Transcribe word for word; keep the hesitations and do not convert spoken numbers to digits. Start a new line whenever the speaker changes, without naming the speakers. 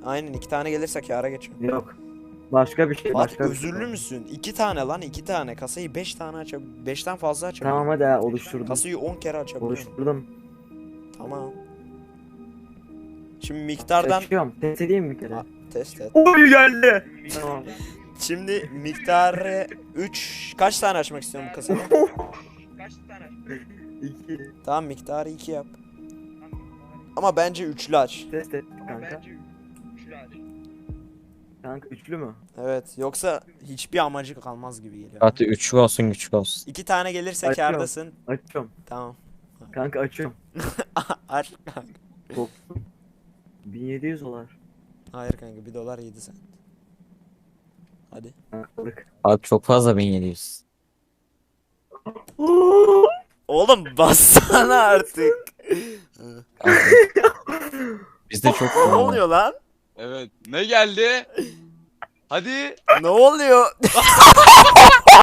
Aynen iki tane gelirse kâra geçiyor.
Yok. Başka bir şey.
Fatih
Başka bir
özürlü
şey.
müsün? iki tane lan iki tane. Kasayı beş tane aç. beşten fazla aç.
Tamam hadi ha, oluşturdum.
Kasayı on kere açabiliyorum.
Oluşturdum.
Tamam. Şimdi miktardan
Açıyorum. Test edeyim mi bir kere?
A- test et.
Oy geldi. Tamam.
Şimdi miktarı üç kaç tane açmak istiyorsun bu kasayı?
İki.
Tamam miktarı iki yap. Ama bence üçlü aç.
Test et kanka. Kanka üçlü mü?
Evet yoksa hiçbir amacı kalmaz gibi geliyor.
Fatih üçlü olsun güçlü olsun.
İki tane gelirse
Açıyorum.
kârdasın.
Açıyorum.
Tamam.
Kanka açıyorum.
Aç kanka.
Korktum. bin yedi yüz dolar.
Hayır kanka bir dolar yedi sen. Hadi.
Kankalık.
Abi çok fazla bin yedi yüz.
Oğlum bassana artık.
Abi, bizde çok
Ne oluyor lan?
Evet. Ne geldi? Hadi.
Ne oluyor?